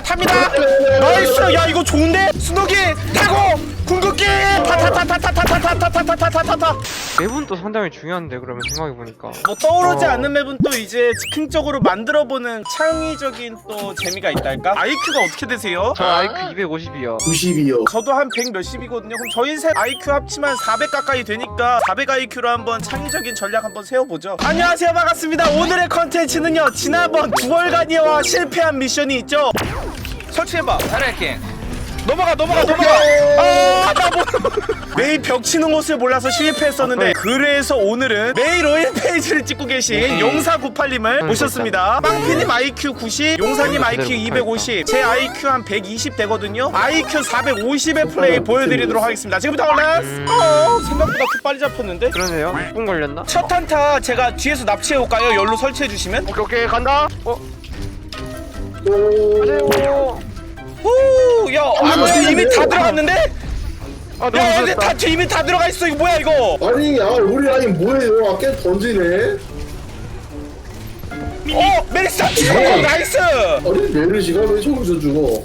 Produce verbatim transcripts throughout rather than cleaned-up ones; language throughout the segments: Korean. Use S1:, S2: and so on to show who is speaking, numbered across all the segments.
S1: 탑니다. 나이스. 야 이거 좋은데? 스노기 타고 궁극기 타타타타타타타타타타타타타.
S2: 맵은 또 상당히 중요한데 그러면 생각해보니까
S1: 뭐 떠오르지
S2: 어.
S1: 않는 맵은 또 이제 즉흥적으로 만들어보는 창의적인 또 재미가 있달까? 아이큐가 어떻게 되세요?
S2: 저 아이큐 이백오십이요
S3: 구십이요.
S1: 저도 한 백 몇십이거든요. 그럼 저희 셋 아이큐 합치면 사백 가까이 되니까 사백 아이큐로 한번 창의적인 전략 한번 세워보죠. 안녕하세요, 반갑습니다. 오늘의 컨텐츠는요, 지난번 두 월간이와 실패한 미션이 있죠. 설치해봐.
S4: 잘할게.
S1: 넘어가 넘어가 넘어가. 아, 나 뭐. 메이 벽 치는 곳을 몰라서 실패했었는데 그래서 오늘은 메이 로일 페이지를 찍고 계신 용사구팔님을 모셨습니다. 빵피님 아이큐 구십, 용사님 아이큐 이백오십, 제 아이큐 한 백이십 되거든요. 아이큐 사백오십의 플레이 보여드리도록 하겠습니다. 지금부터 렛츠 고! 생각보다 그 빨리 잡혔는데?
S2: 그러네요 육 분 걸렸나?
S1: 첫 한타 제가 뒤에서 납치해올까요? 열로 설치해주시면?
S2: 오케이 오케이 간다 어?
S3: 오.
S2: 안녕하세요
S1: 오, 야, 아, 이미 다 들어갔는데?
S2: 아 너무
S1: 야, 애들
S2: 무섭다
S1: 다 뒤 이미 다 들어가 있어. 이거 뭐야 이거?
S3: 아니, 아 우리 라인 뭐예요? 아까 던지네.
S1: 어, 메리스타 죽어. 나이스.
S3: 아니 메르시가 왜 저기서 죽어?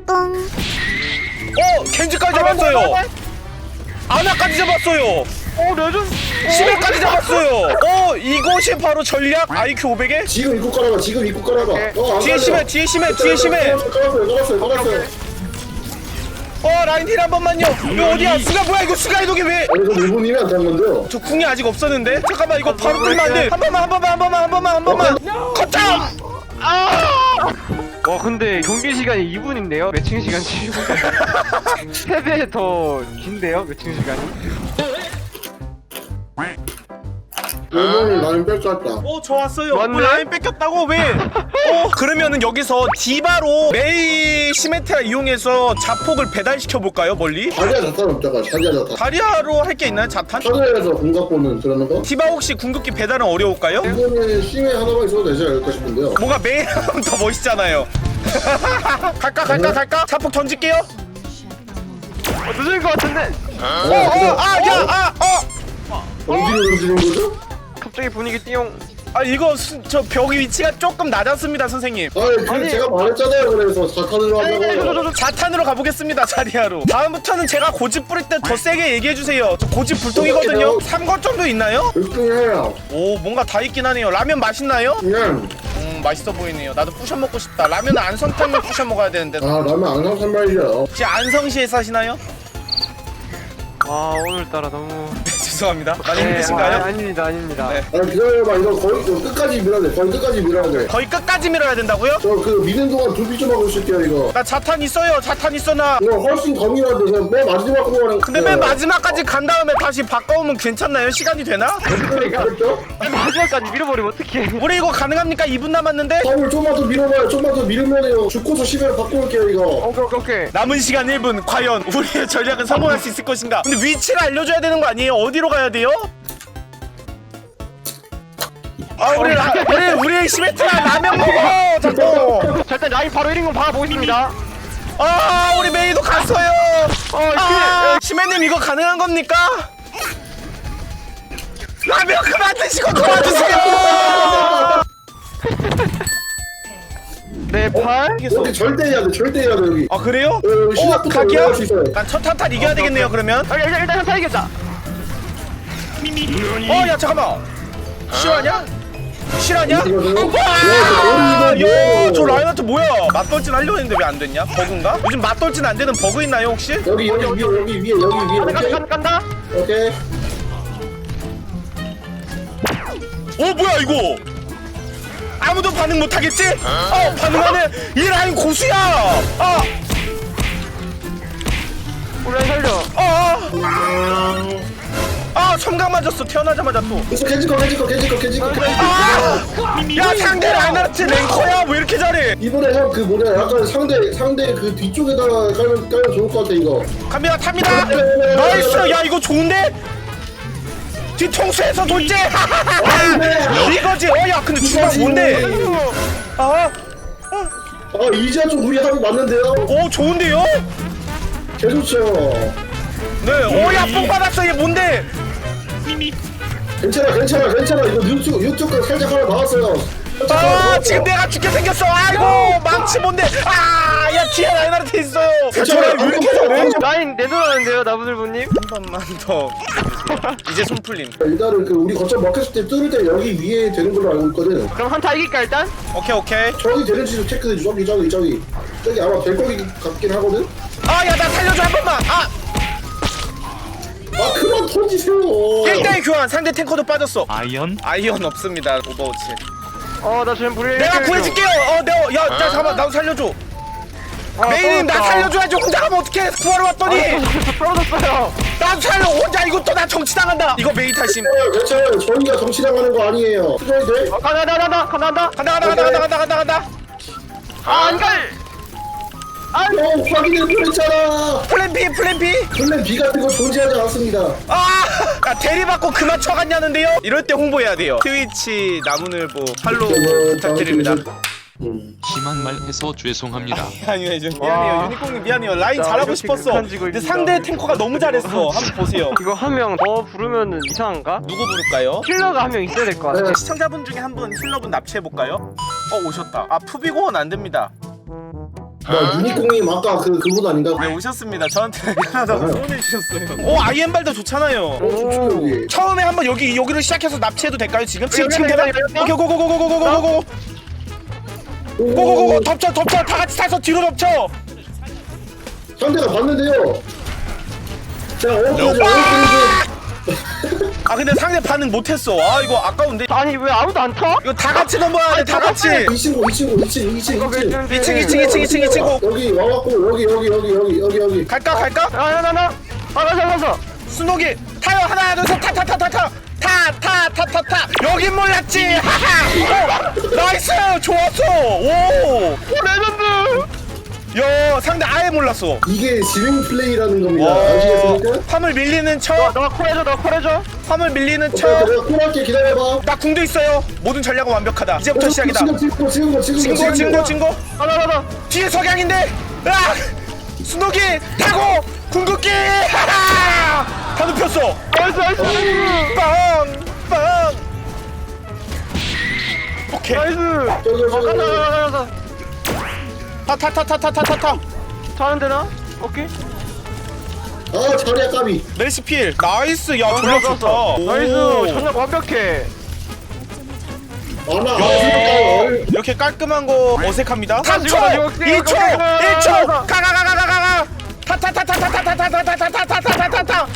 S1: 어, 겐지까지 잡았어요. 아나까지 잡았어요.
S2: 어 레전
S1: 시메까지 잡았어요. 어, 이것이 바로 전략 아이큐 오백에?
S3: 지금 입고 깔아봐. 지금 입고 깔아봐. 어, 안
S1: 뒤에
S3: 깔려.
S1: 심해, 뒤에 심해, 뒤에 심해.
S3: 깔았어요, 깔았어요, 깔았어요.
S1: 어, 라인 힐 한 번만요. 이거 어디야? 수가 뭐야 이거? 수가 이동이 왜?
S3: 아니 저 일본님이 안 탄 건데요.
S1: 저 궁이 아직 없었는데? 잠깐만 이거 바로 끌면 안 돼. 한 번만, 한 번만, 한 번만, 한 번만, 한 번만. 컷다!
S2: 와 근데 경기 시간이 이 분인데요? 매칭 시간 칠 분 세 배 더 긴데요? 매칭 시간이?
S3: 일본을 라인 뺏겼다.
S1: 어, 저 왔어요.
S2: 맞네?
S1: 어, 라인 뺏겼다고 왜? 어, 그러면은 여기서 디바로 메이 시메트라 이용해서 자폭을 배달시켜 볼까요? 멀리?
S3: 자리야 자탄 없다가 자리야 자탄.
S1: 다리아로 할 게 있나요? 자탄?
S3: 하늘에서 공각 보는 그러는 거?
S1: 디바 혹시 궁극기 배달은 어려울까요?
S3: 이거는 심해 하나만 있어도 되지 않을까 싶은데요.
S1: 뭔가 메이랑 더 멋있잖아요. 갈까 갈까 갈까? 자폭 던질게요.
S2: 어 늦은 것 같은데?
S1: 어, 어, 아, 야, 아, 어.
S3: 어디로 던지는 거죠?
S2: 갑자기 분위기 띠용
S1: 아, 이거 수, 저 벽 위치가 조금 낮았습니다, 선생님.
S3: 아니, 그
S2: 아니.
S3: 제가 말했잖아요. 그래서 자탄으로 하자고.
S1: 자탄으로 가보겠습니다, 자리아로. 다음부터는 제가 고집 뿌릴 때 더 세게 얘기해주세요. 저 고집 불통이거든요. 삼 거 정도 있나요?
S3: 육등해요.
S1: 오, 뭔가 다 있긴 하네요. 라면 맛있나요?
S3: 그냥
S1: 음, 맛있어 보이네요. 나도 부셔 먹고 싶다. 라면은 안성탕면 부셔 먹어야 되는데.
S3: 아 라면 안 감산 말이야.
S1: 혹시 안성시에 사시나요?
S2: 와 오늘따라 너무
S1: 죄송합니다. 많이
S2: 네,
S1: 힘드신가요?
S2: 아, 아닙니다 아닙니다
S1: 네.
S3: 아니 기다려봐. 이거 거의 이거 끝까지 밀어야 돼. 거의 끝까지 밀어야 돼.
S1: 거의 끝까지 밀어야 된다고요?
S3: 저 그 미는 동안 두비 좀 하고 있을게요 이거.
S1: 나 자탄 있어요. 자탄 있어 나.
S3: 이거 훨씬 더 밀어야 돼. 그냥 맨 마지막 거는.
S1: 근데 맨 마지막까지 간 다음에 다시 바꿔오면 괜찮나요? 시간이 되나?
S3: 그랬죠?
S2: 마지막까지 밀어버리면 어떡해
S1: 우리 이거 가능합니까? 이 분 남았는데?
S3: 더블 좀만 더 밀어봐요. 좀만 더 밀으면요. 죽고서 십회로 바꿔올게요 이거.
S2: 오케이 오케이 오케이
S1: 남은 시간 일 분. 과연 우리의 전략은 성공할 수 있을 것인가? 근데 위치를 알려줘야 되는 거 아니에요? 어디로 가야 돼요? 아, 우리 라, 우리 우리 시메트라 라면 먹어. 자꾸.
S2: 자 일단 라인 바로 일 인공 박아보겠습니다
S1: 아, 우리 메이도 갔어요.
S2: 어
S1: 아, 시메님 이거 가능한 겁니까? 라면 그만 드시고 도와주세요.
S2: 네팔
S3: 여기 절대 해야 돼. 절대 해야 돼 여기.
S1: 아, 그래요?
S3: 어, 여기
S1: 어,
S3: 시작부터
S1: 각이야?
S3: 올라갈 수 있어요.
S1: 난 첫 탄탄 이겨야 되겠네요. 그러면.
S2: 아, 일단 일단 한타 이겼다
S1: 어, 야 잠깐만. 실화냐? 실화냐?
S3: 이거는-
S1: 와!
S3: 야, 이거
S1: 야, 저
S3: 뭐야?
S1: 라인한테 뭐야? 맞돌진 하려고 했는데 왜 안 됐냐? 버그인가? 요즘 맞돌진 안 되는 버그 있나요 혹시?
S3: 여기 여기 위에 여기 위에 여기 위에.
S2: 간다
S3: 오케이.
S2: 간다 간다
S3: 오케이.
S1: 어, 뭐야 이거? 아무도 반응 못 하겠지? 어, 반응하네. 이 라인 고수야. 아,
S2: 우리 라인 살려
S1: 아, 아, 첨강 맞았어. 태어나자마자 또.
S3: 계속 개지거 개지거 개지거 개지거.
S1: 아, 야, 상대 라인한테 랭커야. 왜 이렇게 잘해?
S3: 이번에 형 그 뭐냐 약간 상대 상대 그 뒤쪽에다가 깔면 깔면 좋을 것 같아 이거.
S1: 갑니다, 탑니다. 나이스. 야, 이거 좋은데? 뒤통수에서 돌제. 이거지. 어, 야, 근데 주방 뭔데? 아,
S3: 아 이제 좀 우리 합이 맞는데요?
S1: 오, 좋은데요?
S3: 개좋죠.
S1: 네. 오, 야, 뽕 받았어. 얘 뭔데?
S3: 괜찮아 괜찮아 괜찮아 이거 육쪽 육쪽까지 살짝 하나 나왔어요. 살짝 하나
S1: 아,
S3: 나왔어.
S1: 지금 내가 죽게 생겼어. 아이고, 망치 뭔데? 아, 야, 하나한테 있어요. 저랑 왜 이렇게 잘해?
S2: 라인 내놓았는데요 나부들부님.
S1: 한 번만 더. 이제 손 풀림.
S3: 일단은 그 우리 거점 막혔을 때 뚫을 때 여기 위에 되는 걸로 알고 있거든.
S2: 그럼 한타 이길까 일단?
S1: 오케이 오케이.
S3: 저기 되는지도 체크해 줘. 저기 저기 저기 저기 아마 될 거기 같긴 하거든.
S1: 아 야 나 살려줘 한 번만. 아
S3: 아 그만 던지세요.
S1: 일 대 일 교환. 상대 탱커도 빠졌어.
S4: 아이언?
S1: 아이언 없습니다. 오버워치.
S2: 어나 지금 불리.
S1: 내가 구해줄게요. 어 내가 야, 야 잠깐만 나도 살려줘. 메이님 나 살려줘야지. 혼자 가면 어떡해. 구하러 왔더니
S2: 떨어졌어요.
S1: 나도 살려. 혼자 이것도 나 정치당한다. 이거 메이 탓임.
S3: 괜찮아요. 저희가 정치당하는 거 아니에요. 수고해 돼.
S2: 어, 간다 간다 간다 간다 간다.
S1: 간다 간다 간다 간다 간다 간다 간다.
S2: 아 안갈.
S3: 어 확인을 보냈잖아.
S1: 플랜 B 플랜 B.
S3: 플랜 B 같은 거 존재하지 않습니다.
S1: 아, 야, 대리받고 그만 쳐갔냐는데요? 이럴 때 홍보해야 돼요. 트위치 나무늘보 팔로우 부탁드립니다.
S3: 음.
S4: 심한 말 해서 죄송합니다.
S1: 아니요, 저
S2: 와.
S1: 미안해요. 유니콘님 미안해요. 라인
S2: 나
S1: 잘하고
S2: 이렇게
S1: 싶었어.
S2: 극한 지고
S1: 근데
S2: 있습니다.
S1: 상대 탱커가 너무 잘했어. 한번 보세요.
S2: 이거 한 명 더 부르면은 이상한가?
S1: 누구 부를까요?
S2: 킬러가 한 명 있어야 될 것 같아.
S1: 시청자분 중에 한 분 힐러분 납치해볼까요? 어, 오셨다. 아, 푸비공은 안 됩니다.
S3: 뭐 유니콘님 아까 그 그분 아닌가?
S1: 네, 오셨습니다. 저한테 미안하다고 소원해주셨어요. 오, 아이엠발도 좋잖아요.
S3: 어, 여기.
S1: 처음에 한번 여기, 여기를 시작해서 납치해도 될까요, 지금? 지금, 지금
S2: 여기,
S1: 되나?
S2: 여기, 여기, 여기.
S1: 오케이, 고고고고고고고고고. 고고고고 덮쳐 덮쳐 다 같이 타서 뒤로 덮쳐.
S3: 상대가 봤는데요. 자, 어깨
S1: 아 근데 상대 반응 못했어. 아 이거 아까운데.
S2: 아니 왜 아무도 안 타?
S1: 이거 다 같이 넘어야 돼. 다 같이.
S3: 이 친구, 이 친구, 이 친구, 이 친구, 이 친구.
S1: 이 층 이 층 이 층 이 층 이 친구.
S3: 여기 와갖고 여기 여기 여기 여기 여기 여기.
S1: 갈까 갈까?
S2: 아나나나. 아 가서 가서.
S1: 순옥이 타요. 하나 둘 셋 타 타 타 타 타. 타 타 타 타 타. 여긴 몰랐지. 하하. 오, 나이스. 좋았어. 오.
S2: 레전드.
S1: 야 상대 아예 몰랐어.
S3: 이게 지능 플레이라는 겁니다.
S1: 와.
S3: 아시겠습니까?
S1: 화물 밀리는 척.
S2: 너 콜해줘 너 콜해줘.
S1: 화물 밀리는
S3: 자,
S1: 척.
S3: 내가 콜할게 기다려봐.
S1: 나 궁도 있어요. 모든 전략은 완벽하다. 이제부터 시작이다.
S3: 지금 지금 지금 지금
S1: 친구 친구 친구.
S2: 가나가나.
S1: 뒤에 석양인데. 아! 순옥이 타고 궁극기. 하하! 다 눕혔어.
S2: 나이스 나이스.
S1: 빵! 빵! 오케이.
S2: 나이스.
S3: 저기
S2: 어
S3: 저기
S2: 가자 가자 가자.
S1: 타타타타타타타타타.
S2: 타는 되나? 오케이.
S3: 아 자리야 까비.
S1: 메르시 필. 나이스. 야, 전략 좋다. 오.
S2: 나이스. 전략 완벽해.
S3: 아나
S1: 야,
S3: 아
S1: 이렇게 깔끔한 거 어색합니다. 삼 초,
S2: 지금, 지금,
S1: 이 초,
S2: 지금, 지금,
S1: 일 초.
S2: 지금.
S1: 가가가가가가가. 타타타타타타타타타타타타타타타타.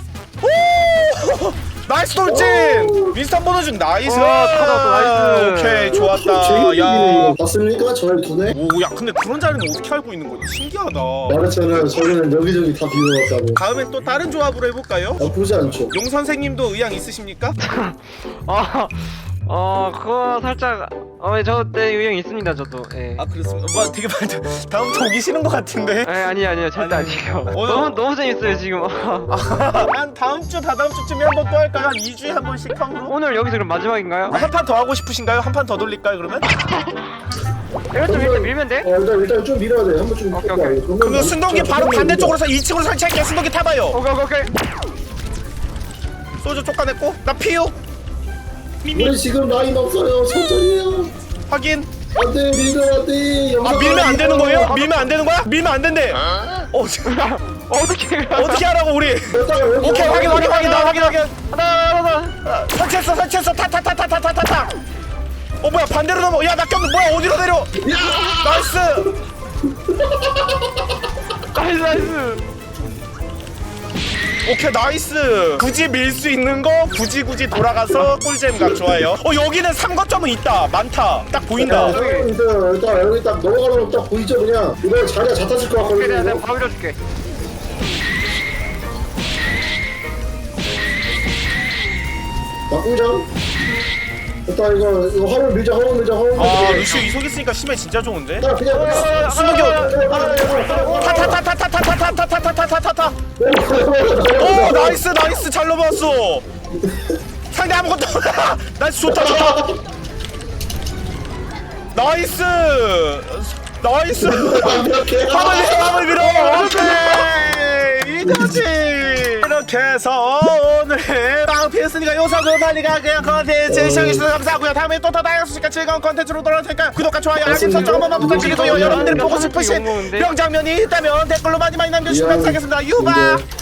S1: 오! 나이스 돌진. 윈스턴 보너준 나이스.
S2: 와, 타다, 나이스.
S1: 오케이, 좋았다. 야.
S3: 봤습니까? 저 두네.
S1: 오, 야, 근데 그런 자리는 어떻게 알고 있는 거지? 신기하다.
S3: 말했잖아요. 저는 여기저기 다 비워놨다고.
S1: 다음엔 또 다른 조합으로 해볼까요?
S3: 나쁘지 않죠.
S1: 용 선생님도 의향 있으십니까?
S2: 아, 어, 그거 살짝, 어, 저때 유형 있습니다, 저도. 예.
S1: 아 그렇습니다. 뭐 되게 많이 다음부터 오기 싫은 것 같은데.
S2: 예, 아니 아니요, 절대
S1: 아니,
S2: 아니에요.
S1: 오늘-
S2: 너무 너무 재밌어요 지금.
S1: 한 다음 주 다다음 주쯤에 한 번 또 할까요? 한 이 주에 한 번씩 컴으로?
S2: 오늘 여기서 그럼 마지막인가요?
S1: 한 판 더 하고 싶으신가요? 한 판 더 돌릴까요 그러면?
S2: 이거 좀 일단 밀면 돼?
S3: 어 일단 일단 좀 밀어야 돼. 한번 좀.
S2: 오케이,
S3: 밀어봐.
S2: 오케이.
S3: 그러면
S1: 그러면 순덕이 바로
S3: 좀
S1: 반대쪽으로서 이 층으로 설치할게요. 순덕이 타봐요.
S2: 오케이 오케이 오케이.
S1: 소주 쫓아냈고 나 피우.
S3: 우리 지금 라인 없어요. 천천히요.
S1: 확인.
S3: 안돼 밀면 안돼.
S1: 아 밀면 안 되는 거예요? 밀면 안 되는 거야? 밀면 안 된대. 어
S2: 어떻게?
S1: 어떻게 하라고 우리? 오케이 확인 확인 확인 나 확인 확인.
S2: 하나 하나.
S1: 설치했어 설치했어 타타타타타타타타타. 어 뭐야 반대로 넘어. 야나 꼈는 뭐야 어디로 내려? 나이스.
S2: 나이스 나이스.
S1: 오케이 나이스. 굳이 밀 수 있는 거 굳이 굳이 돌아가서 꿀잼각 좋아요. 어 여기는 삼거점은 있다. 많다. 딱 보인다.
S3: 일단 일단 여기 딱 넘어가는 거 딱 보이죠 그냥. 이거 자리가 잘 타질 것
S2: 오케이 내가
S3: 같거든요.
S2: 내가 바로 밀어줄게.
S3: 막공장. 일단 이거 이거 화물 밀자 화물 밀자 화물 밀자.
S1: 아 루시오 이속 있으니까 심해 진짜 좋은데.
S3: 자 그냥.
S1: 순덕이 타타타타타타타타타타타타타타타타. 오 나이스 나이스 잘 넘어왔어. 상대 아무것도 나이스 좋다 좋다. 나이스 나이스. 화물 밀어 화물 밀어. 오케이 이거지. 이렇게 해서 오늘 빵피했으니까 요서그 빨리가 그냥 컨텐츠 시청해주셔서 감사하고요. 다음에 또 더 다양한 소식과 즐거운 컨텐츠로 돌아올 테니까 구독과 좋아요 알림 설정 한 번만 부탁드리고요. 여러분들이 보고 싶으신 명장면이 있다면 댓글로 많이 많이 남겨주시면 감사하겠습니다. 유바.